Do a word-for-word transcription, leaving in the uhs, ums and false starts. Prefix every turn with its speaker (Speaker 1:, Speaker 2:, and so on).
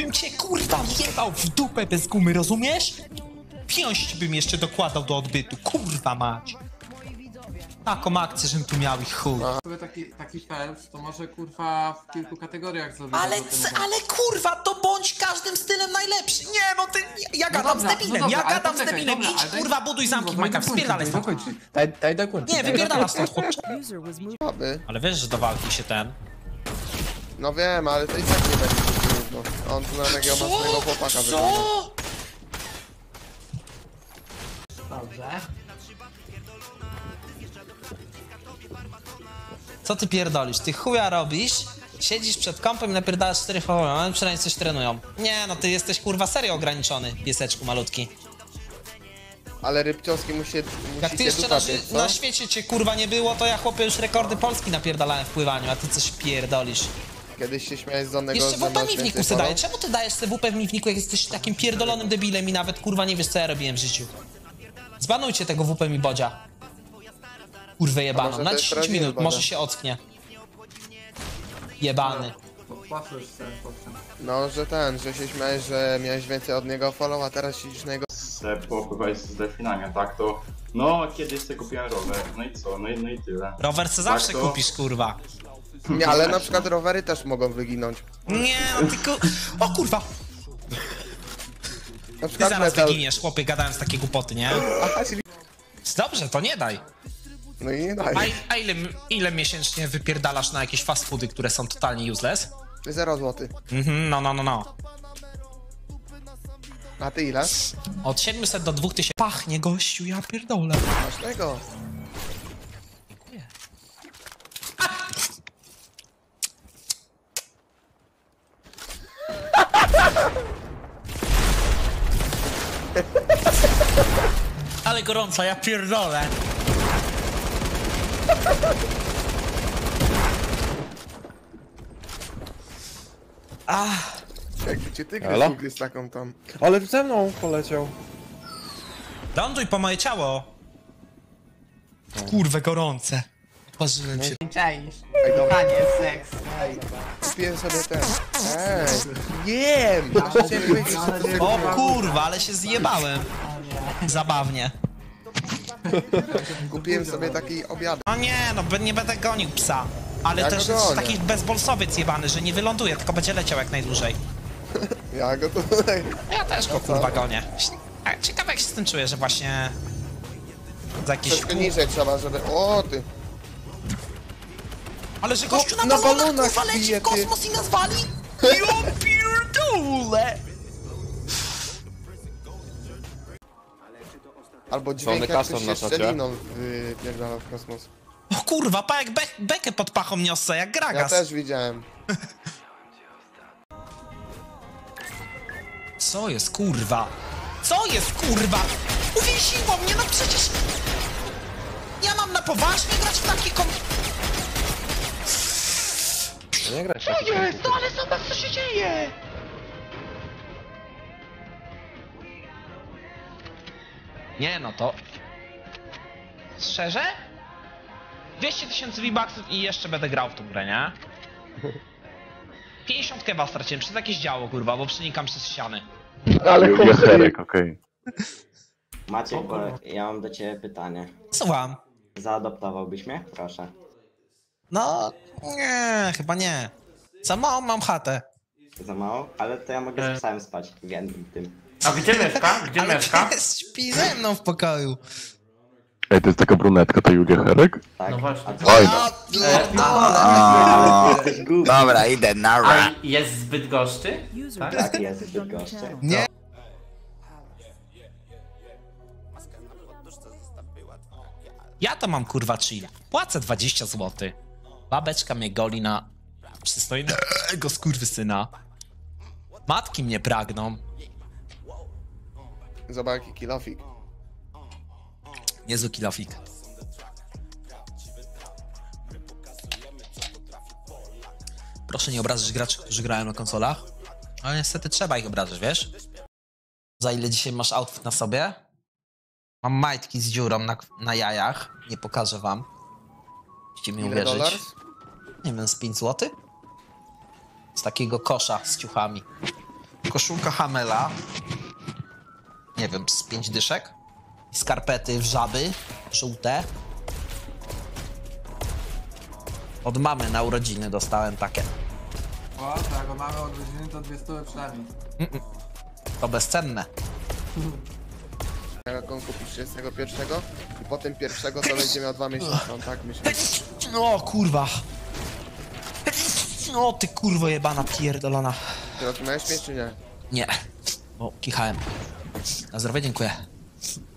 Speaker 1: bym cię kurwa wjebał w dupę bez gumy, rozumiesz? Piąść bym jeszcze dokładał do odbytu, kurwa mać. Taką akcję, żebym tu miał ich chuj.
Speaker 2: Sobie taki, taki Phelps, to może kurwa w kilku kategoriach zrobić.
Speaker 1: Ale, ale kurwa, to bądź każdym stylem najlepszy. Nie, no ty, ja gadam
Speaker 2: dobra,
Speaker 1: z debilem,
Speaker 2: no dobra,
Speaker 1: ja
Speaker 2: ale
Speaker 1: gadam z
Speaker 2: poczekaj,
Speaker 1: debilem.
Speaker 2: dobra,
Speaker 1: Idź
Speaker 2: ale daj-
Speaker 1: kurwa, buduj zamki w
Speaker 2: Kurwa,
Speaker 1: Minecraft,
Speaker 2: daj
Speaker 1: spierdalaj stąd.
Speaker 2: dokończyć.
Speaker 3: Daj, daj dokończyć.
Speaker 1: Nie, wypierdala stąd, chłopcze.
Speaker 4: Aby.
Speaker 1: Ale wiesz, że do walki się ten...
Speaker 4: No wiem, ale to i tak nie będzie trudno. On tu na takiego mocnego chłopaka wygląda.
Speaker 1: Co?
Speaker 2: Dobrze.
Speaker 1: Co ty pierdolisz? Ty chuja robisz, siedzisz przed kompem i napierdalasz cztery fawory, przynajmniej coś trenują. Nie, no ty jesteś kurwa serio ograniczony, pieseczku malutki.
Speaker 4: Ale rybcioski musi,
Speaker 1: Jak
Speaker 4: musi
Speaker 1: ty
Speaker 4: się
Speaker 1: jeszcze na,
Speaker 4: dupa
Speaker 1: na świecie cię kurwa nie było, to ja chłopie już rekordy Polski napierdalałem w pływaniu, a ty coś pierdolisz.
Speaker 4: Kiedyś się śmiałeś z onego,
Speaker 1: Jeszcze
Speaker 4: że
Speaker 1: W P
Speaker 4: masz
Speaker 1: mi w niku
Speaker 4: więcej
Speaker 1: se daje.
Speaker 4: follow?
Speaker 1: Czemu ty dajesz sobie W P w mi w niku, jak jesteś takim pierdolonym debilem i nawet kurwa nie wiesz co ja robiłem w życiu? Zbanujcie tego W P mi bodzia. Kurwę jebaną.
Speaker 4: może
Speaker 1: Na
Speaker 4: to jest
Speaker 1: dziesięć
Speaker 4: prawdziwy
Speaker 1: minut,
Speaker 4: bodzia?
Speaker 1: może się ocknie. Jebany.
Speaker 2: Popłaczesz się, chłopcze.
Speaker 4: No, że ten, że się śmiałeś, że miałeś więcej od niego follow, a teraz siedzisz na jego...
Speaker 5: Se popływałeś z delfinami, tak to... No, kiedyś sobie kupiłem rower, no i co, no i, no i tyle.
Speaker 1: Rower se
Speaker 5: Tak
Speaker 1: zawsze
Speaker 5: to-
Speaker 1: kupisz, kurwa.
Speaker 4: Nie, ale na przykład rowery też mogą wyginąć.
Speaker 1: Nie, no tylko... O kurwa!
Speaker 4: Na
Speaker 1: Ty
Speaker 4: przykład
Speaker 1: zaraz
Speaker 4: metal...
Speaker 1: wyginiesz, chłopie, gadając takie głupoty, nie?
Speaker 4: Aha, czyli...
Speaker 1: Dobrze, to nie daj.
Speaker 4: No i nie daj.
Speaker 1: A, a ile, ile miesięcznie wypierdalasz na jakieś fast foody, które są totalnie useless?
Speaker 4: Zero złotych.
Speaker 1: Mhm, no, no, no, no.
Speaker 4: A ty ile?
Speaker 1: Od siedmiuset do dwóch tysięcy. Pachnie, gościu, ja pierdolę.
Speaker 4: Masz tego.
Speaker 1: Dziękuję. Ale gorąco, ja pierdolę.
Speaker 4: Jakby cię tygrys
Speaker 3: Halo?
Speaker 4: ugryzł taką tam.
Speaker 3: Ale ze mną poleciał.
Speaker 1: Ląduj po moje ciało. Kurwę gorące. Parzyłem się.
Speaker 2: Czaisz.
Speaker 4: Ej, dobra.
Speaker 2: Kochanie, seks.
Speaker 4: Kupiłem sobie ten. Ej, jem! Chciałem powiedzieć, że to sobie
Speaker 1: O
Speaker 4: kupiłem.
Speaker 1: kurwa, ale się zjebałem. Zabawnie.
Speaker 4: Kupiłem sobie taki obiad.
Speaker 1: No nie, no be- nie będę gonił psa. Ale
Speaker 4: Ja
Speaker 1: też
Speaker 4: go
Speaker 1: jest
Speaker 4: gonię.
Speaker 1: taki bezbolsowiec jebany, że nie wyląduje, tylko będzie leciał jak najdłużej.
Speaker 4: Ja go tutaj...
Speaker 1: Ja też go kurwa gonię. A, ciekawe jak się z tym czuję, że właśnie... Za jakieś...
Speaker 4: Troszkę niżej trzeba, żeby... O ty!
Speaker 1: Ale że gościu na,
Speaker 4: na
Speaker 1: balonach,
Speaker 4: balonach
Speaker 1: kurwa leci
Speaker 4: bije,
Speaker 1: w
Speaker 4: ty.
Speaker 1: kosmos i nas wali? Ja pierdolę!
Speaker 4: Albo dźwięk jak
Speaker 3: kasą
Speaker 4: ktoś
Speaker 3: na
Speaker 4: się
Speaker 3: czacie.
Speaker 4: szczeliną wypierdala w kosmos.
Speaker 1: O kurwa, pa jak be bekę pod pachą niosę, jak
Speaker 4: Ja
Speaker 1: Gragas.
Speaker 4: też widziałem.
Speaker 1: Co jest kurwa? Co jest kurwa? Uwięziło mnie, no przecież... Ja mam na poważnie grać w takie kom...
Speaker 3: No nie graj.
Speaker 1: Co jest? No ale zobacz co się dzieje! Nie no to... Szczerze? dwieście tysięcy V-Bucksów i jeszcze będę grał w tą grę, nie? pięćdziesiąt keba straciłem przez jakieś działo, kurwa, bo przenikam przez ściany.
Speaker 6: Jacherek, okej.
Speaker 7: Maciek, bo ja mam do ciebie pytanie.
Speaker 1: Słucham.
Speaker 7: Zaadoptowałbyś mnie? Proszę.
Speaker 1: No... Nie, chyba nie. Za małą mam chatę.
Speaker 7: Za mało? Ale to ja mogę z psem spać w jednym tym.
Speaker 2: A gdzie mieszka? Gdzie
Speaker 1: Ale
Speaker 2: mieszka?
Speaker 1: pies śpi ze mną w pokoju.
Speaker 6: Ej, to jest taka brunetka, ta Julia Herek?
Speaker 7: Tak?
Speaker 2: No właśnie.
Speaker 7: A co?
Speaker 6: Fajna.
Speaker 7: Jesteś głupi.
Speaker 8: Dobra, idę na
Speaker 2: A
Speaker 8: ra.
Speaker 2: jest zbyt goszczy? Tak?
Speaker 7: Tak, jest zbyt goszczy.
Speaker 1: Nie. Ja to mam kurwa chill. Płacę dwadzieścia złotych. Babeczka mnie goli na przystojnego skurwysyna. Matki mnie pragną.
Speaker 4: Zobacz jaki kilofik.
Speaker 1: Niezły kilofik. Proszę nie obrażać graczy, którzy grają na konsolach. Ale niestety trzeba ich obrażać, wiesz? Za ile dzisiaj masz outfit na sobie? Mam majtki z dziurą na, na jajach. Nie pokażę wam. Musicie mi
Speaker 4: Ile
Speaker 1: uwierzyć.
Speaker 4: dolarów?
Speaker 1: Nie wiem, z pięć złotych? Z takiego kosza z ciuchami. koszulka Hamela. Nie wiem, z pięć dyszek. I skarpety w żaby, żółte. Od mamy na urodziny dostałem takie.
Speaker 2: O, tak, bo mamy od godziny to dwie stówy przynajmniej.
Speaker 1: To bezcenne.
Speaker 4: Jak on kupi trzydziestego pierwszego i potem pierwszego to będzie miał dwa miesiące, on tak myśli.
Speaker 1: No kurwa. No ty kurwo jebana pierdolona.
Speaker 4: Ty rozumiałeś mnie czy nie?
Speaker 1: Nie, bo kichałem. Na zdrowie, dziękuję.